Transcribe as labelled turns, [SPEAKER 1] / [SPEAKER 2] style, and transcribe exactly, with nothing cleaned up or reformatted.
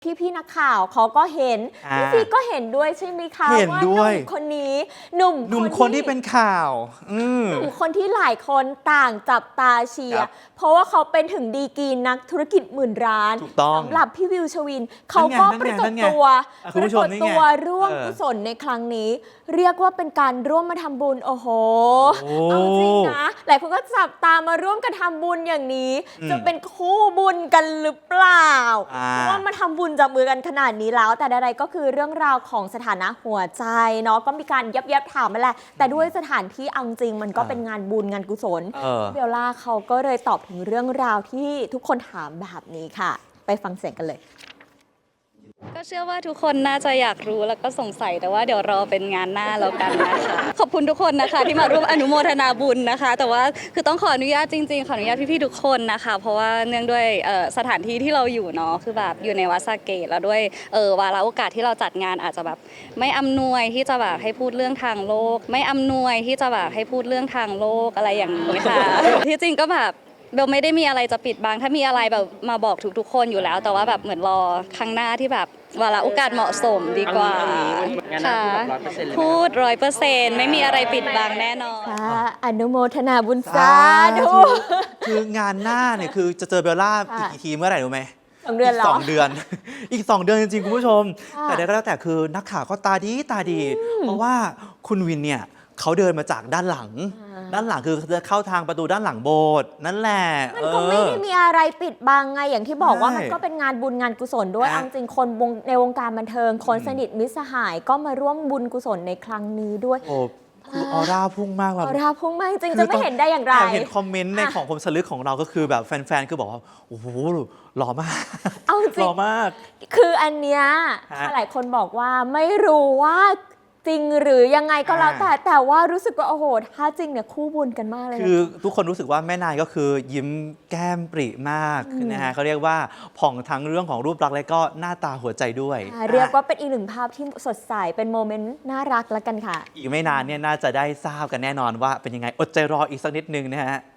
[SPEAKER 1] พี่พี่นักข่าวเขาก็เห็นพี่ซีก็เห็นด้วยใช่ไหมคะ
[SPEAKER 2] เห็นด้วย
[SPEAKER 1] ว่าหนุ่มคนนี้หนุ่ม
[SPEAKER 2] หนุ่มคนที่เป็นข่าว อืม
[SPEAKER 1] หนุ่มคนที่หลายคนต่างจับตาเชียร์เพราะว่าเขาเป็นถึงดีกรีนักธุรกิจหมื่นร้าน
[SPEAKER 2] ถูกต้อง
[SPEAKER 1] สำหรับพี่วิวชวินเขาก็ปรากฏตัว
[SPEAKER 2] อ่ะ
[SPEAKER 1] ป
[SPEAKER 2] คุณ
[SPEAKER 1] รา
[SPEAKER 2] ผู้ช
[SPEAKER 1] ก
[SPEAKER 2] ม
[SPEAKER 1] ฏ
[SPEAKER 2] นี่ไง
[SPEAKER 1] ตัวร่วม
[SPEAKER 2] เออ
[SPEAKER 1] กุศลในครั้งนี้ เรียกว่าเป็นการร่วมมาทำบุญโอ้โห
[SPEAKER 2] โอ้
[SPEAKER 1] เอาจริงนะหลายคนก็จับตามาร่วมกันทำบุญอย่างนี้
[SPEAKER 2] อืม
[SPEAKER 1] จะเป็นคู่บุญกันหรือเปล่า
[SPEAKER 2] อ่า
[SPEAKER 1] เพราะว่ามาทำบุญจับมือกันขนาดนี้แล้ว แต่ใดๆก็คือเรื่องราวของสถานะหัวใจเนาะก็มีการยับยับถามมาแหละแต่ด้วยสถานที่เอาจริงมันก็เป็นงานบุญงานกุศล
[SPEAKER 2] เออ
[SPEAKER 1] เบลล่าเขาก็เลยตอบถึงเรื่องราวที่ทุกคนถามแบบนี้ค่ะ ไปฟังเสียงกันเลย
[SPEAKER 3] ก็เชื่อว่าทุกคนน่าจะอยากรู้แล้วก็สงสัยแต่ว่าเดี๋ยวรอเป็นงานหน้าแล้วกันนะคะ ขอบคุณทุกคนนะคะที่มาร่วมอนุโมทนาบุญนะคะ แต่ว่าคือต้องขออนุญาตจริงๆขออนุญาตพี่ๆทุกคนนะคะ เพราะว่าเนื่องด้วยเอ่อสถานที่ที่เราอยู่เนาะคือแบบอยู่ในวัดสาเกตแล้วด้วยเออวาระโอกาสที่เราจัดงานอาจจะแบบไม่อำนวยที่จะแบบให้พูดเรื่องทางโลก ไม่อำนวยที่จะแบบให้พูดเรื่องทางโลกอะไรอย่างนี้ค่ะ ที่จริงก็แบบเบลไม่ได้มีอะไรจะปิดบังถ้ามีอะไรแบบมาบอกทุกๆคนอยู่แล้ว แต่ว่าแบบเหมือนรอครั้งหน้าที่แบบวาระโอกาสเหมาะสมดีกว่าค่ะพูดร้อยเปอร์เซ็นต์ไม่มีอะไรปิดบังแน่นอน
[SPEAKER 1] สาอนุโมทนาบุญสาธุ
[SPEAKER 2] คืองานหน้าเนี่ยคือจะเจอเบลล่า
[SPEAKER 1] ค่ะ
[SPEAKER 2] อีกทีเมื่อไหร่รู้ไหม
[SPEAKER 1] สองเดือนเหรอ
[SPEAKER 2] กสองเดือน อีกสองเดือนจริงๆคุณผู้ชม
[SPEAKER 1] ค่ะ
[SPEAKER 2] แต่ใดก็แล้วแต่คือนักข่าวก็ตาดีตาดี เพราะว่าคุณวินเนี่ยเขาเดินมาจากด้านหลัง ด้านหลังคือจะเข้าทางประตูด้านหลังโบสถ์นั่นแหละ
[SPEAKER 1] มันก็ไม่ได้มีอะไรปิดบังไงอย่างที่บอกว่า
[SPEAKER 2] ใช่
[SPEAKER 1] มันก็เป็นงานบุญงานกุศลด้วย
[SPEAKER 2] นะ
[SPEAKER 1] เอาจริงคนวงในวงการบันเทิง คนสนิทมิตรสหายก็มาร่วมบุญกุศลในครั้งนี้ด้วย
[SPEAKER 2] โอ้คือออร่าพุ่งมากแบบ
[SPEAKER 1] ออราพุ่งมากจริงๆจะไม่เห็นได้อย่างไร
[SPEAKER 2] แอบเห็นคอมเมนต์ใน
[SPEAKER 1] อ่ะ
[SPEAKER 2] ของคมสลึกของเราก็คือแบบแฟนๆ คือบอกว่า โอ้โหหล่อมาก
[SPEAKER 1] เอาจริ
[SPEAKER 2] ห
[SPEAKER 1] ง
[SPEAKER 2] ล่อมาก
[SPEAKER 1] คืออันเนี้ย
[SPEAKER 2] ฮะ
[SPEAKER 1] หลายคนบอกว่าไม่รู้ว่าจริงหรือยังไงก็แล้ว
[SPEAKER 2] อ่า
[SPEAKER 1] แต่แต่ว่ารู้สึกว่าโอ้โหถ้าจริงเนี่ยคู่บุญกันมากเลยนะ
[SPEAKER 2] คือทุกคนรู้สึกว่าแม่นายก็คือยิ้มแก้มปริมากนะฮะเขาเรียกว่าผ่องทั้งเรื่องของรูปลักษณ์และก็หน้าตาหัวใจด้วย
[SPEAKER 1] อ่าเรียกว่าเป็นอีกหนึ่งภาพที่สดใสเป็นโมเมนต์น่ารักแล้วกันค่ะ
[SPEAKER 2] อีกไม่นานเนี่ยน่าจะได้ทราบกันแน่นอนว่าเป็นยังไงอดใจรออีกสักนิดนึงนะฮะ